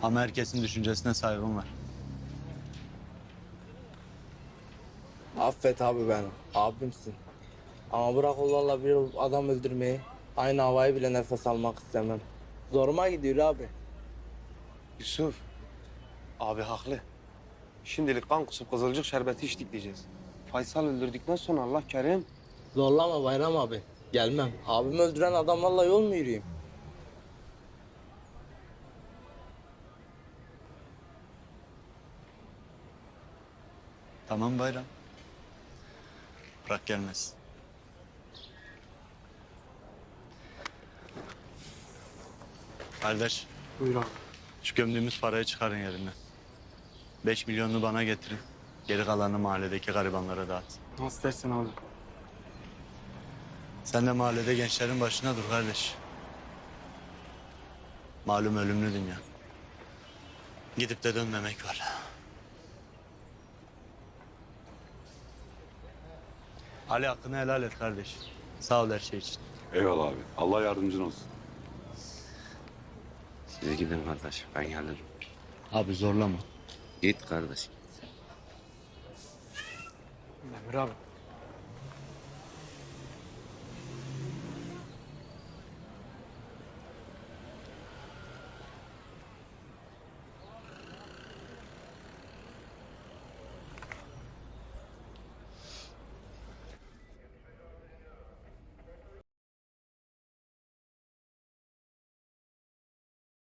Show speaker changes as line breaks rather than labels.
Ama herkesin düşüncesine saygım var.
Affet abi beni. Abimsin. Ama bırak onlarla bir adam öldürmeyi. Aynı havayı bile nefes almak istemem. Zoruma gidiyor abi.
Yusuf, abi haklı. Şimdilik kan kusup kızılcık şerbeti içtik diyeceğiz. Faysal öldürdükten sonra Allah kerim.
Zorlama Bayram abi. Gelmem. Abimi öldüren adamlarla yol mu yürüyeyim?
Tamam Bayram. Bırak gelmez. Kardeş,
Buyur abi.
şu gömdüğümüz parayı çıkarın yerinden. 5 milyonunu bana getirin. Geri kalanını mahalledeki garibanlara dağıt.
Nasıl dersin abi?
Sen de mahallede gençlerin başına dur kardeş. Malum ölümlü dünya. Gidip de dönmemek var. Ali hakkını helal et kardeş. Sağ ol her şey için.
Eyvallah abi. Allah yardımcın olsun.
Siz gidin kardeş, ben gelirim.
Abi zorlama.
Git kardeş.
Emir abi.